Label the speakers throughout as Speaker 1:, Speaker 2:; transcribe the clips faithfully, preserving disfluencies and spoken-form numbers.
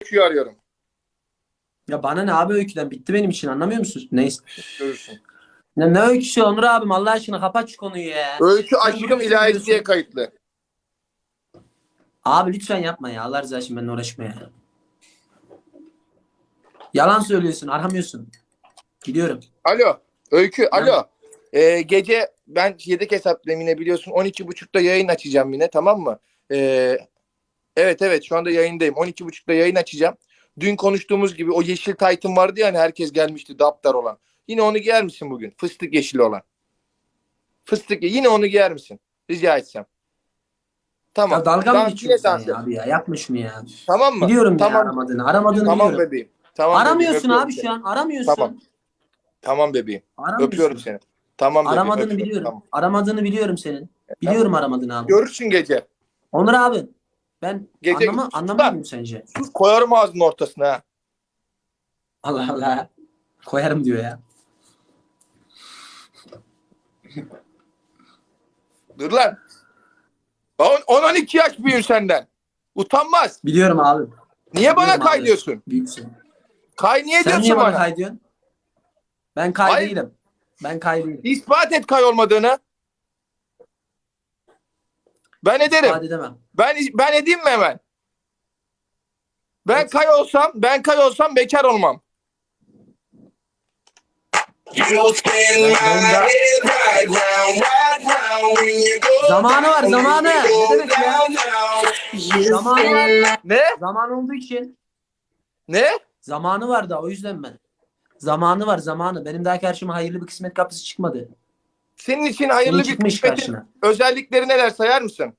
Speaker 1: Öykü'yü arıyorum.
Speaker 2: Ya bana ne abi öyküden? Bitti benim için, anlamıyor musun? Neyse.
Speaker 1: Görürsün.
Speaker 2: Ne, ne öyküsü Onur abim, Allah aşkına kapat şu konuyu ya.
Speaker 1: Öykü
Speaker 2: Sen
Speaker 1: aşkım
Speaker 2: duruyorsun,
Speaker 1: ilahisi
Speaker 2: duruyorsun.
Speaker 1: diye kayıtlı.
Speaker 2: Abi lütfen yapma ya. Allah rızası için benimle uğraşma ya. Yalan söylüyorsun, aramıyorsun. Gidiyorum.
Speaker 1: Alo. Öykü
Speaker 2: Ben-
Speaker 1: alo. Ee, gece ben yedek hesaplayayım yine biliyorsun. on iki buçukta yayın açacağım yine, tamam mı? Ee, evet evet şu anda yayındayım. on iki buçukta yayın açacağım. Dün konuştuğumuz gibi o yeşil taytım vardı ya hani herkes gelmişti daptar olan. Yine onu giyer misin bugün? Fıstık yeşili olan. Fıstık yine onu giyer misin? Rica etsem. Tamam.
Speaker 2: Ya dalga mı
Speaker 1: Dans,
Speaker 2: geçiyorsun
Speaker 1: yine
Speaker 2: sen
Speaker 1: dans
Speaker 2: ya
Speaker 1: et.
Speaker 2: abi ya? Yapma şunu ya.
Speaker 1: Tamam mı?
Speaker 2: Biliyorum ya
Speaker 1: Tamam.
Speaker 2: aramadığını. Aramadığını
Speaker 1: Tamam
Speaker 2: biliyorum.
Speaker 1: bebeğim. Tamam
Speaker 2: Aramıyorsun
Speaker 1: bebeğim. Öpüyorum
Speaker 2: abi
Speaker 1: seni.
Speaker 2: şu an. Aramıyorsun.
Speaker 1: Tamam. Tamam bebeğim.
Speaker 2: Aramıyorsun.
Speaker 1: Öpüyorum seni. Tamam bebeğim.
Speaker 2: Aramadığını
Speaker 1: Öpüyorum.
Speaker 2: biliyorum.
Speaker 1: Tamam.
Speaker 2: Aramadığını biliyorum senin. Biliyorum aramadığını abi.
Speaker 1: Görürsün gece.
Speaker 2: Onur abi. Ben
Speaker 1: Gece
Speaker 2: anlama,
Speaker 1: sus
Speaker 2: anlamıyor
Speaker 1: lan.
Speaker 2: muyum sence?
Speaker 1: Sus koyarım ağzının ortasına ha.
Speaker 2: Allah Allah. Koyarım diyor ya.
Speaker 1: Dur lan. on on iki yaş büyüğüm senden. Utanmaz.
Speaker 2: Biliyorum abi.
Speaker 1: Niye bana
Speaker 2: Biliyorum
Speaker 1: kay
Speaker 2: abi.
Speaker 1: diyorsun?
Speaker 2: Büyüksün.
Speaker 1: Kay niye
Speaker 2: Sen
Speaker 1: diyorsun
Speaker 2: niye bana
Speaker 1: bana?
Speaker 2: kay diyorsun? Ben kay
Speaker 1: Hayır.
Speaker 2: değilim. Ben kay değilim.
Speaker 1: İspat et kay olmadığını. Ben ederim.
Speaker 2: İspat edemem.
Speaker 1: Ben ben edeyim mi hemen? Ben
Speaker 2: Evet.
Speaker 1: kay olsam, ben kay olsam bekar olmam.
Speaker 2: Zamanı var, zamanı. Ne demek ya? Zamanı var.
Speaker 1: Ne?
Speaker 2: Zaman olduğu için.
Speaker 1: Ne?
Speaker 2: Zamanı var da o yüzden ben. Zamanı var, zamanı. Benim daha karşıma hayırlı bir kısmet kapısı çıkmadı.
Speaker 1: Senin için hayırlı
Speaker 2: Senin
Speaker 1: bir
Speaker 2: çıkmış
Speaker 1: kısmetin
Speaker 2: karşına.
Speaker 1: özellikleri neler sayar mısın?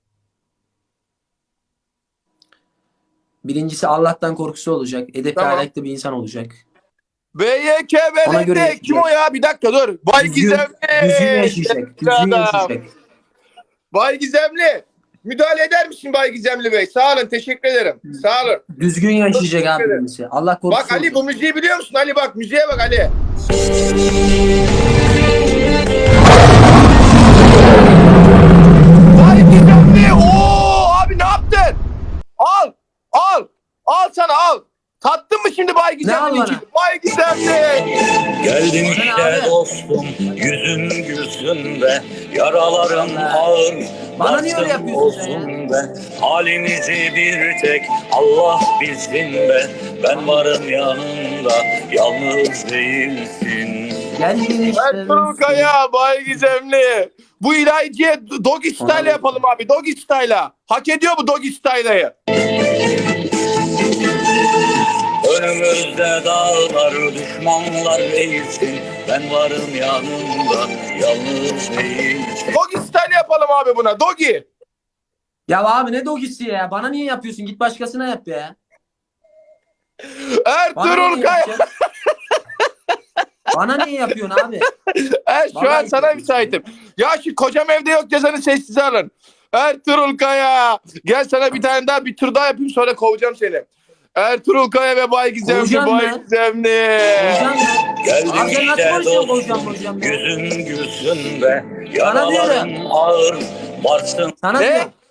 Speaker 2: Birincisi Allah'tan korkusu olacak. Edepli
Speaker 1: Tamam.
Speaker 2: ahlaklı bir insan olacak.
Speaker 1: B Y K
Speaker 2: Ona göre
Speaker 1: B'de
Speaker 2: yaşayacak.
Speaker 1: kim o ya? Bir dakika dur. Bay
Speaker 2: Düzgün,
Speaker 1: Gizemli.
Speaker 2: düzgün yaşayacak. Düzgün
Speaker 1: Adam.
Speaker 2: yaşayacak.
Speaker 1: Bay Gizemli. Müdahale eder misin Bay Gizemli Bey? Sağ olun, teşekkür ederim. Sağ olun.
Speaker 2: Düzgün yaşayacak abi
Speaker 1: ederim.
Speaker 2: birincisi. Allah korkusu
Speaker 1: Bak Ali,
Speaker 2: olacak.
Speaker 1: bu müziği biliyor musun? Ali bak, müziğe bak Ali. Bay Gizemli. Oo abi ne yaptın? Al. Al. Al sana al. Tattın mı şimdi Bay
Speaker 2: al
Speaker 1: Gizemli'nin
Speaker 2: bana?
Speaker 1: için? Bay Gizemli.
Speaker 3: Geldin
Speaker 2: Bana
Speaker 3: işte
Speaker 2: abi.
Speaker 3: dostum, yüzün gülsün be, yaralarım ağır,
Speaker 2: Bana niye öyle
Speaker 3: varsın
Speaker 2: yapıyorsun sen
Speaker 3: olsun be, halimizi bir tek Allah bilsin be, ben varım yanında, yalnız değilsin.
Speaker 2: Geldin işte.
Speaker 1: Ertuğrul Kaya, Bay Gizemli. Bu ilahiciye doggy style
Speaker 2: Ona-
Speaker 1: yapalım abi. Doggy style'a. Hak ediyor bu doggy style'ı.
Speaker 3: Önümüzde dağlar, düşmanlar eğilsin, ben varım yanında, yalnız değilsin.
Speaker 1: Doggy style yapalım abi buna. Doggy.
Speaker 2: Ya abi ne dogisi ya? Bana niye yapıyorsun? Git başkasına yap ya. Bana
Speaker 1: Ertuğrul
Speaker 2: niye
Speaker 1: Kaya.
Speaker 2: yapacaksın? Bana niye yapıyorsun abi?
Speaker 1: Er, şu
Speaker 2: Vallahi
Speaker 1: an sana
Speaker 2: yapıyorsun.
Speaker 1: müsaitim. Ya şu kocam evde yok cezanı sessize alın. Ertuğrul Kaya. Gel sana bir tane daha bir tur daha yapayım sonra kovacağım seni. Ertuğrul Kaya ve Bay Gizemli.
Speaker 2: Kovacağım
Speaker 1: Bay
Speaker 2: ben.
Speaker 1: Gizemli.
Speaker 2: Hocam ya.
Speaker 3: Geldin
Speaker 2: Abi sen nasıl
Speaker 3: işte
Speaker 2: konuşuyorsun hocam
Speaker 3: dostum,
Speaker 2: hocam ya?
Speaker 3: yüzün gülsün be,
Speaker 2: Sana
Speaker 3: yaralarım
Speaker 2: diyorum.
Speaker 3: ağır, varsın
Speaker 2: Sana
Speaker 1: Ne?
Speaker 2: diyorum.